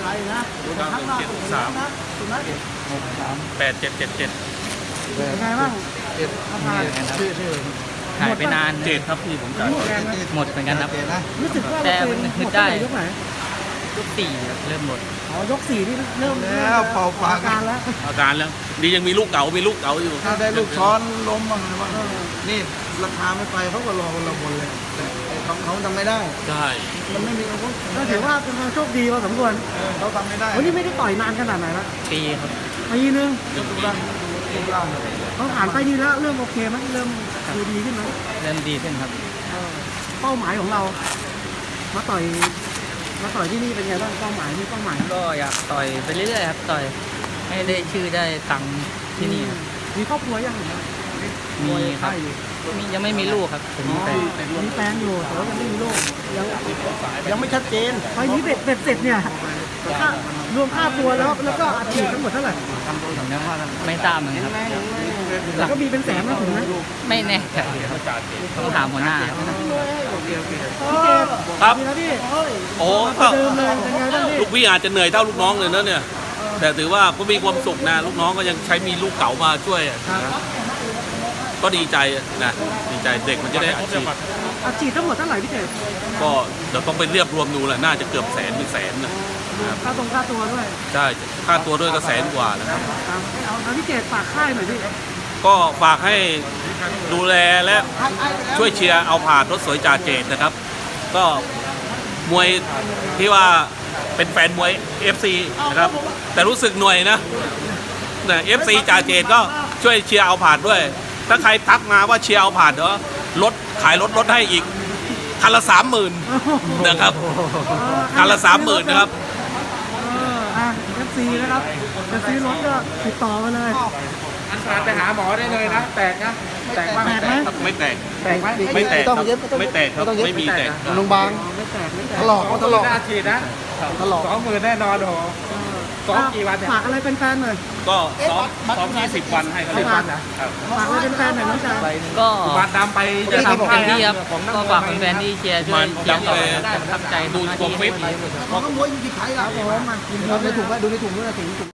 ไทยนะข้างหน้าสุดนะสุดนะ 8777 เป็นไงบ้างราคาชื่อหายไปนานเจ็ดครับพี่ผมจ่ายหมดเหมือนกันครับรู้สึกว่าแต่เรามันหนึมกดได้ยกไหนยกสี่ครับเริ่มหมดอ๋อยกสี่นี่เริ่มแล้วเป่าปากการแล้วอาการแล้วดียังมีลูกเก๋าอยู่ถ้าได้ลูกช้อนล้มบ้างอะไรบ้างนี่ราคาไม่ไปเขาก็รอเราบนเลยแต่ของเขาทำไม่ได้ใช่มันไม่มีอาวุธก็ถือว่าเป็นความโชคดีพอสมควรเขาทำไม่ได้วันนี้ไม่ได้ต่อยนานขนาดไหนละปีครับปีนึงรูปร่างเขาผ่านไปนี่แล้วเริ่มโอเคไหมเริ่มดูดีขึ้นไหมเริ่มดีขึ้นครับเป้าหมายของเรา มาต่อยที่นี่เป็นไงบ้างเป้าหมายนี่เป้าหมายก็อยากต่อยไปเรื่อยๆครับต่อยให้ได้ชื่อได้ตังค์ที่นี่ครับมีครอบครัวยังมีครับยังไม่มีลูกครับผมมีแฟนมีแฟนอยู่แต่ว่ายังไม่มีลูกยังไม่ชัดเจนไฟนี้เบ็ดเสร็จเนี่ยค่ารวมค่าตัวแล้วก็อัดฉีดทั้งหมดเท่าไหร่ไม่ทราบเหมือนกันครับแต่ก็มีเป็นแสนนะถึงนะไม่แน่ใจครับต้องถามหัวหน้าครับพี่เจครับดีนะพี่โอ้ประเดิมเลยเป็นไงบ้างพี่ลูกพี่อาจจะเหนื่อยเท่าลูกน้องเลยนะเนี่ย แต่ถือว่าก็มีความสุขนะลูกน้องก็ยังใช้มีลูกเก๋ามาช่วยอะนะก็ดีใจนะดีใจเด็กมันจะได้อาชีพอัดฉีดทั้งหมดเท่าไหร่พี่เจก็เดี๋ยวต้องไปเรียบรวมดูแหละน่าจะเกือบแสนเป็นแสนนะค่าตัวด้วยใช่ค่าตัวด้วยก็แสนกว่านะครับครับเอาพี่เจฝากค่ายหน่อยพี่ก็ฝากให้ดูแลและช่วยเชียร์เอาผ่านรถสวยจ่าเจตนะครับ ก็มวยที่ว่าเป็นแฟนมวย FC นะครับ แต่รู้สึกหน่วยนะFC จ่าเจตก็ช่วยเชียร์เอาผ่านด้วย ถ้าใครทักมาว่าเชียร์เอาผ่านเดี๋ยวลดขายรถลดให้อีกคันละ 30,000นะครับคันละ 30,000นะครับ FC นะครับจะซื้อรถก็ติดต่อมาเลยอันตรายไปหาหมอได้เลยนะ แตกนะ แตกมากแตกไหมไม่แตกแตกไหมไม่แตกครับไม่แตกครับไม่มีแตกโรงพยาบาลไม่แตกถลอกก็ถลอกหน้าฉีดนะถลอก 20,000แน่นอนโอ้โห ซ้อมกี่วันเนี่ยฝากอะไรเป็นแฟนหน่อยก็ซ้อม20 วันให้เขาเลยฝากครับฝากอะไรเป็นแฟนหน่อยน้องชายก็บัตรดำไปจะทำเต็มที่ครับก็ฝากแฟนๆที่เชียร์ช่วยเชียร์ต่อได้ประทับใจดูทุกนาตัวทีฟิตของขโมยอยู่ที่ไทยอ่ะครับผมมากินดูในถุงไว้ดูในถุงด้วยนะถุง